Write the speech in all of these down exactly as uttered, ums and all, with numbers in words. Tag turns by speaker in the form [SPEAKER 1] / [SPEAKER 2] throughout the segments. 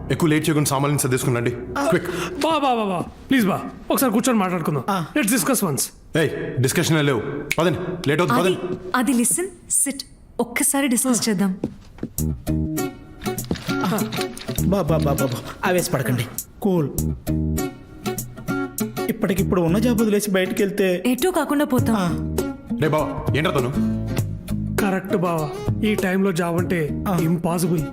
[SPEAKER 1] ఎక్కువ లేట్ చేయకుండా సామాన్లు సర్దేసుకున్నాండి క్విక్.
[SPEAKER 2] బా బా బా బా ప్లీజ్ బా ఒకసారి కూర్చొని మాట్లాడుకుందాం. Let's discuss once.
[SPEAKER 1] ఏయ్ డిస్కషన్ లేవు, పదండి, లేట్ అవుతుంది,
[SPEAKER 3] అది
[SPEAKER 1] పదండి.
[SPEAKER 3] అది లిసన్ సిట్ ఒక్కసారి డిస్కస్ చేద్దాం.
[SPEAKER 4] బాబా బాబా ఆవేశపడకండి, కూల్. ఇప్పటికిప్పుడు ఉన్న జాబ్ వదిలేసి బయటికి వెళ్తే
[SPEAKER 3] ఎటూ కాకుండా పోతాం.
[SPEAKER 1] రే బావా ఏంట్రా తను?
[SPEAKER 2] కరెక్ట్ బావా, ఈ టైంలో జాబ్ అంటే ఇంపాసిబుల్.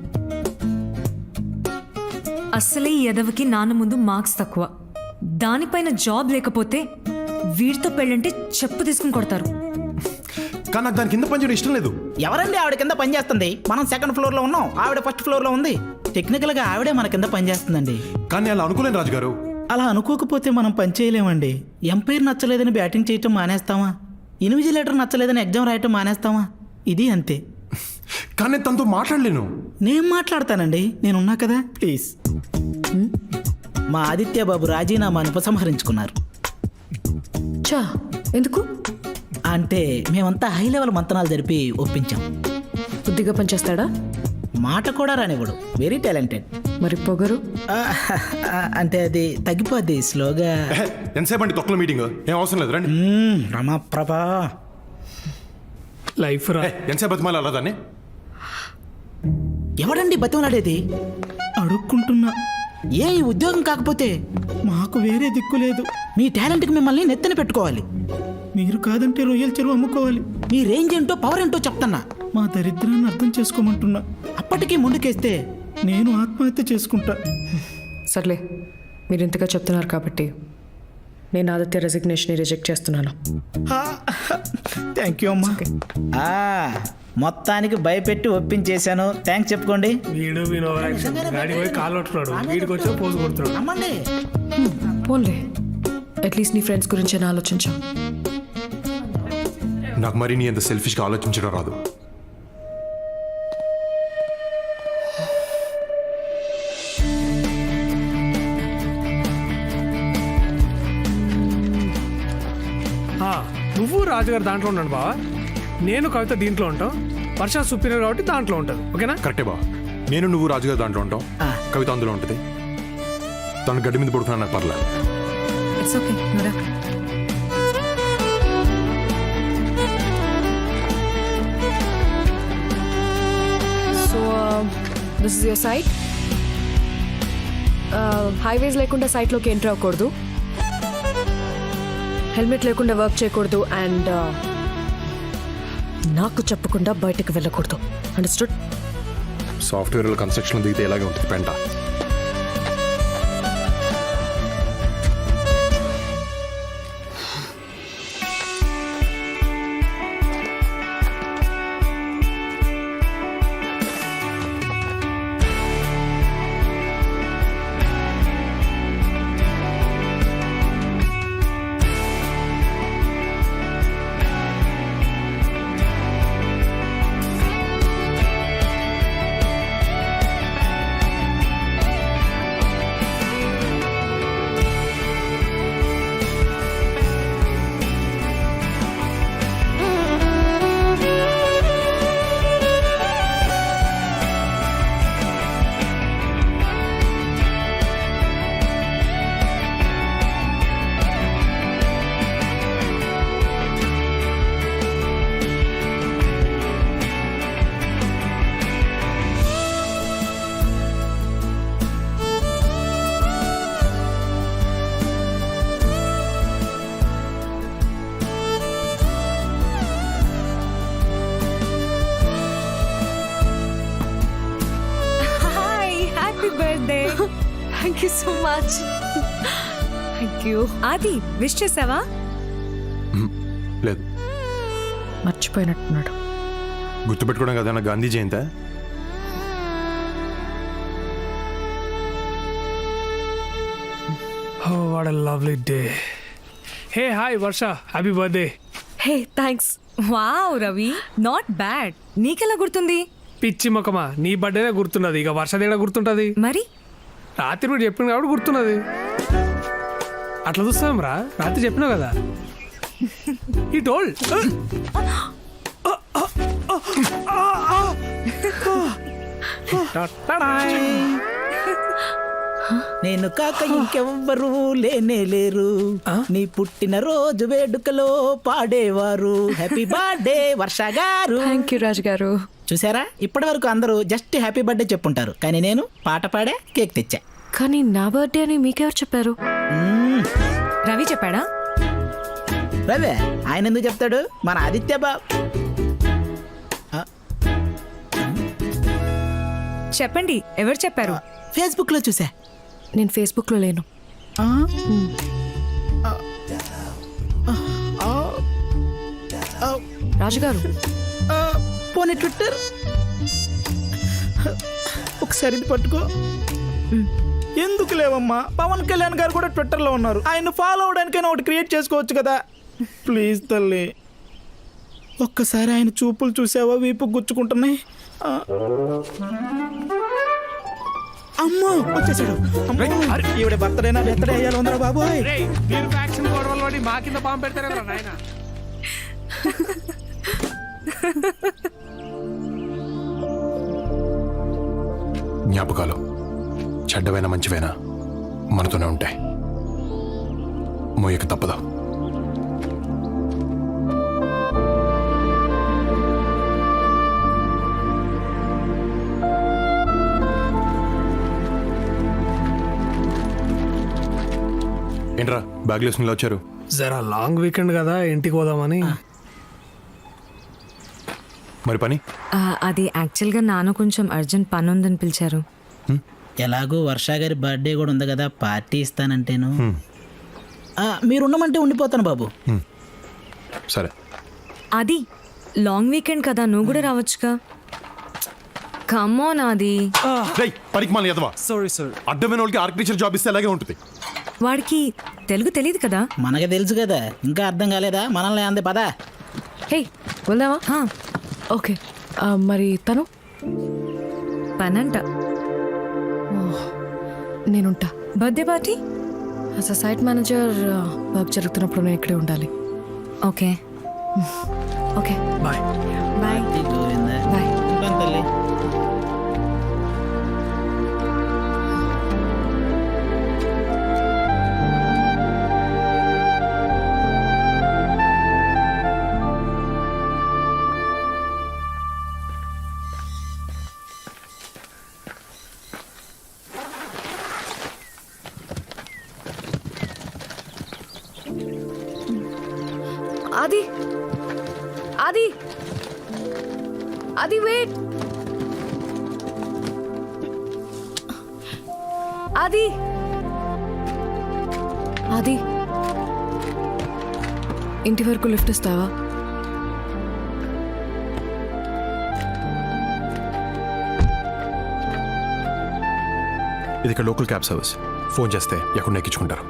[SPEAKER 3] అస్సలే ఈ ఎదవకి నాన్న ముందు మార్క్స్ తక్కువ, దానిపైన జాబ్ లేకపోతే వీడితో పెళ్ళంటే చెప్పు తీసుకుని కొడతారు.
[SPEAKER 1] కానీ నాకు దాని కింద పనిచేయడం ఇష్టం లేదు.
[SPEAKER 4] ఎవరండి ఆవిడ కింద పని చేస్తుంది? మనం సెకండ్ ఫ్లోర్ లో ఉన్నాం, ఆవిడ ఫస్ట్ ఫ్లోర్ లో ఉంది. టెక్నికల్ గా ఆవిడే మన కింద పని చేస్తుందండి.
[SPEAKER 1] కానీ అలా అనుకోలేను రాజుగారు.
[SPEAKER 4] అలా అనుకోకపోతే మనం పని చేయలేమండి. ఎంపైర్ నచ్చలేదని బ్యాటింగ్ చేయటం మానేస్తామా? ఇన్విజిలేటర్ నచ్చలేదని ఎగ్జామ్ రాయటం మానేస్తామా? ఇది అంతే.
[SPEAKER 1] కానీ నేను తనతో మాట్లాడలేను.
[SPEAKER 4] నేను మాట్లాడతానండి, నేనున్నా కదా. ప్లీజ్. మా ఆదిత్య బాబు రాజీనామాను ఉపసంహరించుకున్నారు.
[SPEAKER 3] చా ఎందుకు?
[SPEAKER 4] అంటే మేమంతా హై లెవెల్ మంతనాలు జరిపి ఒప్పించాం.
[SPEAKER 3] బుద్ధిగా పనిచేస్తాడా?
[SPEAKER 4] మాట కూడా రానివ్వడు, వెరీ టాలెంటెడ్.
[SPEAKER 3] మరి పొగరు?
[SPEAKER 4] అంటే అది తగ్గిపోద్ది స్లోగా.
[SPEAKER 1] ఎంతసేపు అండి తొక్కల మీటింగ్? ఏం అవసరం లేదు, రండి.
[SPEAKER 4] రమాప్రభా
[SPEAKER 2] లైఫ్ రా.
[SPEAKER 1] ఎంతసేపు బతిమాలి అలా దాన్ని?
[SPEAKER 4] ఎవడండి బతిమలాడేది? అడుక్కుంటున్నా. ఏ ఈ ఉద్యోగం కాకపోతే మాకు వేరే దిక్కు లేదు. మీ టాలెంట్కి మిమ్మల్ని నెత్తన పెట్టుకోవాలి. మీరు కాదంటే రొయ్యల చెరువు అమ్ముకోవాలి. మీ రేంజ్ ఏంటో పవర్ ఏంటో చెప్తున్నా. మా దరిద్రాన్ని అర్థం చేసుకోమంటున్నా. అప్పటికీ ముందుకేస్తే నేను ఆత్మహత్య చేసుకుంటా.
[SPEAKER 5] సర్లే, మీరు ఇంతగా చెప్తున్నారు కాబట్టి నేను ఆదిత్య రెసిగ్నేషన్ రిజెక్ట్ చేస్తున్నాను.
[SPEAKER 4] థ్యాంక్ యూ అమ్మా. మొత్తానికి భయపెట్టి ఒప్పించేశాను. థ్యాంక్స్ చెప్పుకోండి.
[SPEAKER 2] వీడు వీడు గాడి పోయి కాలు పట్టుకున్నాడు, వీడికి వచ్చి పోజు కొడుతున్నాడు.
[SPEAKER 4] అమ్మండి.
[SPEAKER 5] పోన్లే, అట్లీస్ట్ నీ ఫ్రెండ్స్ గురించి అని ఆలోచించాం.
[SPEAKER 1] నాకు మరి నీ ఎంత సెల్ఫిష్గా ఆలోచించడం రాదు.
[SPEAKER 2] నువ్వు రాజుగారు దాంట్లో ఉన్నాడు బావా, నేను కవిత దీంట్లో ఉంటాం, వర్ష సుపీరియర్ కాబట్టి దాంట్లో ఉంటుంది. ఓకేనా?
[SPEAKER 1] కరెక్టే బా. నేను నువ్వు రాజుగారు దాంట్లో ఉంటాం, కవిత అందులో ఉంటుంది. తను గడ్డి మీద పడుకున్నా నాకు పర్లేదు.
[SPEAKER 3] It's okay. నువ్వురా.
[SPEAKER 5] So this is your site. హైవేస్ లేకుండా సైట్లోకి ఎంటర్ అవ్వకూడదు, హెల్మెట్ లేకుండా వర్క్ చేయకూడదు, అండ్ నాకు చెప్పకుండా బయటకు వెళ్ళకూడదు. అండర్స్టూడ్?
[SPEAKER 1] సాఫ్ట్వేర్ కన్స్ట్రక్షన్ దిగితే ఎలాగే ఉంటుంది పెంట.
[SPEAKER 3] Thank you so much. Thank you. Adi wish చేసావా?
[SPEAKER 1] లేదు.
[SPEAKER 5] మర్చిపోయినట్టున్నాడు.
[SPEAKER 1] గుర్తుపెట్టుకోవడం కదా నా Gandhi Jayanti.
[SPEAKER 2] Oh, what a lovely day. Hey, hi Varsha, happy birthday.
[SPEAKER 5] Hey thanks.
[SPEAKER 3] Wow Ravi, not bad. నీకెలా గుర్తుంది?
[SPEAKER 2] పిచ్చి మొక్కమా, నీ బర్త్డేనే గుర్తున్నది, ఇక వర్షదేడా గుర్తుంటది?
[SPEAKER 3] మరి
[SPEAKER 2] రాత్రి మీరు చెప్పింది కాబట్టి గుర్తున్నది. అట్లా చూస్తాం రా, రాత్రి చెప్పినావు కదా. ఈ టోల్డ్
[SPEAKER 4] నేను కాక ఇంకెవ్వరు లేనే లేరు. నీ పుట్టిన రోజు వేడుకలో పాడేవారు హ్యాపీ బర్త్డే వర్ష గారు.
[SPEAKER 5] థ్యాంక్ యూ రాజు గారు.
[SPEAKER 4] చూసారా, ఇప్పటి వరకు అందరూ జస్ట్ హ్యాపీ బర్త్డే చెప్పుంటారు, కానీ నేను పాట పాడే కేక్ తెచ్చా.
[SPEAKER 5] కానీ నా బర్త్డే అని మీకెవరు చెప్పారు?
[SPEAKER 4] మ్మ్.
[SPEAKER 3] రవి చెప్పాడా?
[SPEAKER 4] రవే ఆయన ఎందుకు చెప్తాడు, మన ఆదిత్య బాబు.
[SPEAKER 3] చెప్పండి, ఎవరు చెప్పారు?
[SPEAKER 4] ఫేస్బుక్ లో చూసా.
[SPEAKER 5] నేను ఫేస్బుక్లో లేను.
[SPEAKER 4] ఆ? ఆ,
[SPEAKER 5] రాజుగారు
[SPEAKER 4] ఆ, పోనీ ట్విట్టర్ ఒకసారి ఇది పట్టుకో. ఎందుకు లేవమ్మా, పవన్ కళ్యాణ్ గారు కూడా ట్విట్టర్ లో ఉన్నారు, ఆయన ఫాలో అవడానికైనా ఒకటి క్రియేట్ చేసుకోవచ్చు కదా. ప్లీజ్ తల్లి, ఒక్కసారి ఆయన చూపులు చూసావా, వీపు గుచ్చుకుంటున్నాయి. ఆ. అమ్మో వచ్చేసాడు. అమ్మో, ఈవిడ బర్త్డేనా బర్త్డే అయ్యాలి ఉందరా బాబోయ్.
[SPEAKER 2] రేయ్, మీరు ఫ్యాక్షన్ గొడవలు పడి మా కింద బాంబు పెడతారేమో నాయన.
[SPEAKER 1] జ్ఞాపకాలు చెడ్డవైనా మంచివైనా మనతోనే ఉంటాయి, మోయక తప్పదు. ఏంట్రా బ్యాగ్ వేసుకుని వచ్చారు?
[SPEAKER 2] జరా లాంగ్ వీకెండ్ కదా, ఇంటికి పోదామని.
[SPEAKER 1] మరి పని?
[SPEAKER 3] ఆ, అది యాక్చువల్గా నాన్న కొంచెం అర్జెంట్ పని ఉందని పిలిచారు.
[SPEAKER 4] ఎలాగో వర్ష గారి బర్త్డే కూడా ఉంది కదా, పార్టీ ఇస్తానంటేను. ఆ, మీరు ఉండమంటే ఉండిపోతాను బాబు.
[SPEAKER 1] సరే.
[SPEAKER 3] అది లాంగ్ వీకెండ్ కదా, నువ్వు కూడా రావచ్చుగా. కమ్మోన్ అది.
[SPEAKER 1] రేయ్, పనికి మాలి ఎదవా.
[SPEAKER 6] Sorry sir.
[SPEAKER 1] అడ్డమైన వాళ్ళకి ఆర్కిటెక్చర్ జాబ్ ఇస్తే అలాగే ఉంటుంది.
[SPEAKER 3] వాడికి తెలుగు తెలియదు కదా.
[SPEAKER 4] మనకి తెలుసు కదా, ఇంకా అర్థం కాలేదా? మనల్ని అందే పదా.
[SPEAKER 5] హే వెళ్దామా?
[SPEAKER 3] హా,
[SPEAKER 5] ఓకే. ఆ, మరి తను
[SPEAKER 3] పనంట.
[SPEAKER 5] నేనుంటా.
[SPEAKER 3] Birthday party?
[SPEAKER 5] As a site manager work జరుగుతున్నప్పుడు నేను ఇక్కడే ఉండాలి.
[SPEAKER 3] Okay
[SPEAKER 5] okay
[SPEAKER 2] bye.
[SPEAKER 3] Bye.
[SPEAKER 5] Bye.
[SPEAKER 4] తల్లి
[SPEAKER 5] ఆది ఆది ఆది వెయిట్. ఆది ఆది ఇంటి వరకు లిఫ్ట్ ఇస్తావా?
[SPEAKER 1] ఇది ఇక్కడ లోకల్ క్యాబ్ సర్వీస్. ఫోన్ చేస్తే ఎక్కడ ఎక్కించుకుంటారు.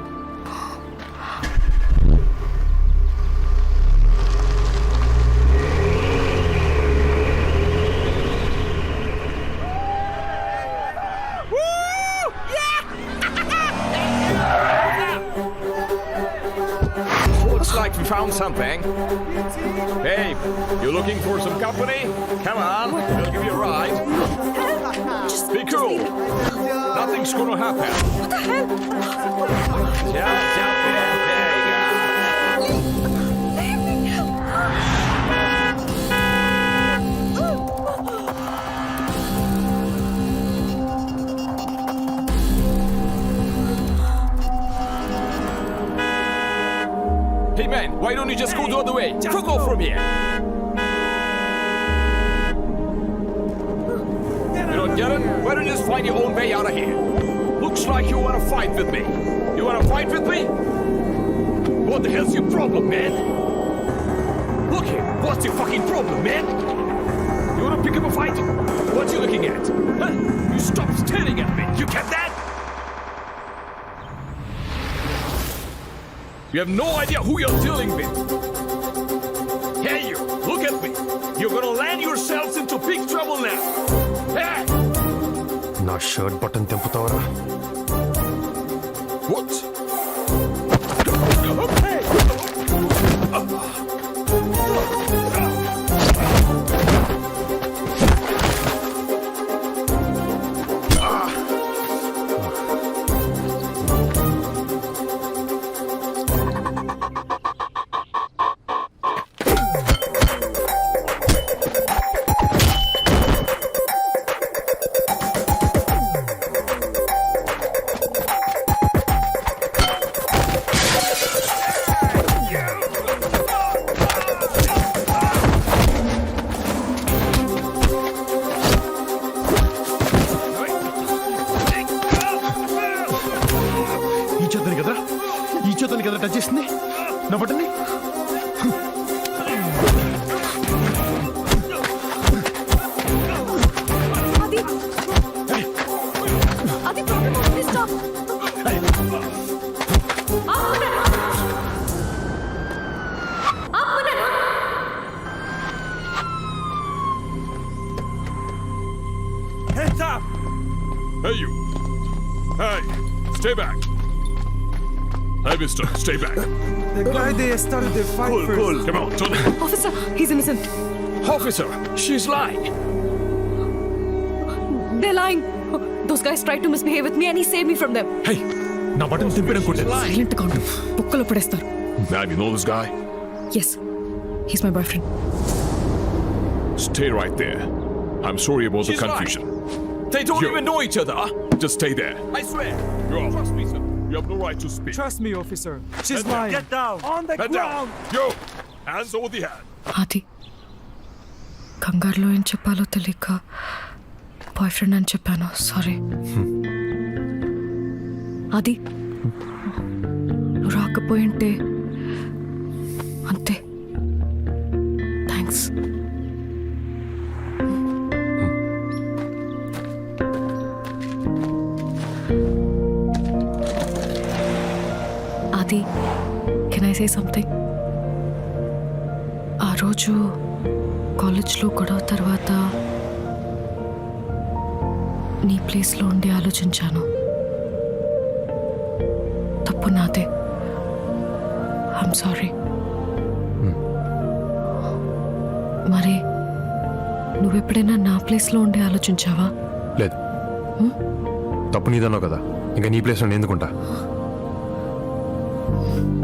[SPEAKER 7] Looks like we found something. Hey, you looking for some company? Come on, we'll give you a ride. Be cool. Nothing's gonna happen. What the hell? Jump, jump in. There you go. Hey man, why don't you just go the other way? Fuck off from here. You don't get it? Why don't you just find your own way out of here? Looks like you wanna fight with me. You wanna fight with me? What the hell's your problem, man? Look here, what's your fucking problem, man? You wanna pick up a fight? What you looking at? Huh? You stop staring at me. You get that? You have no idea who you're dealing with. Hey you, look at me. You're gonna land yourselves into big trouble now. Hey!
[SPEAKER 1] నా shirt button తెంపుతావరా?
[SPEAKER 7] What?
[SPEAKER 1] చేతని కదరా ఈ చేతని కదరా touch చేసింది నా బట్టని
[SPEAKER 3] అది ప్రాబ్లం అవుతుంది stop
[SPEAKER 7] Hands up! Hey, you! Hey, stay back! Hey, mister, stay back!
[SPEAKER 6] The guy they started the fight
[SPEAKER 7] Cool,
[SPEAKER 6] first.
[SPEAKER 7] cool, come on, turn it.
[SPEAKER 5] Officer he's innocent
[SPEAKER 7] Officer, she's lying!
[SPEAKER 5] They lying those guys try to misbehave with me and he save me from them
[SPEAKER 1] hey నా button తిప్పిన కొట్టే
[SPEAKER 5] silent గా ఉండు బుక్కలో పడేస్తారు
[SPEAKER 7] Ma'am, you know this guy?
[SPEAKER 5] Yes he's my boyfriend
[SPEAKER 7] Stay right there. I'm sorry about
[SPEAKER 6] She's
[SPEAKER 7] the confusion.
[SPEAKER 6] They don't
[SPEAKER 7] You.
[SPEAKER 6] even know each other.
[SPEAKER 7] Just stay there.
[SPEAKER 6] I swear.
[SPEAKER 7] You're off. Trust me, sir. You have no right to speak.
[SPEAKER 6] Trust me, officer. She's
[SPEAKER 7] Head down.
[SPEAKER 6] lying.
[SPEAKER 7] Get down.
[SPEAKER 6] On the
[SPEAKER 7] Head down.
[SPEAKER 6] ground.
[SPEAKER 7] Yo, hands over the head.
[SPEAKER 5] అది కంగారులో ఏం చెప్పాలో తెలియక boy friend అని చెప్పాను sorry అది నువ్వు రాకపోయింటే అంతే థ్యాంక్స్ అది కెన్ ఐ సే సంథింగ్ ఆ రోజు కాలేజ్లో గొడవ తర్వాత నీ ప్లేస్లో ఉండి ఆలోచించాను తప్పు నాదే ఐఎమ్ సారీ మరి నువ్వెప్పుడైనా నా ప్లేస్లో ఉండి ఆలోచించావా
[SPEAKER 1] లేదు తప్పు నీదన్నావు కదా ఇంకా నీ ప్లేస్లో నేను ఎందుకుంటా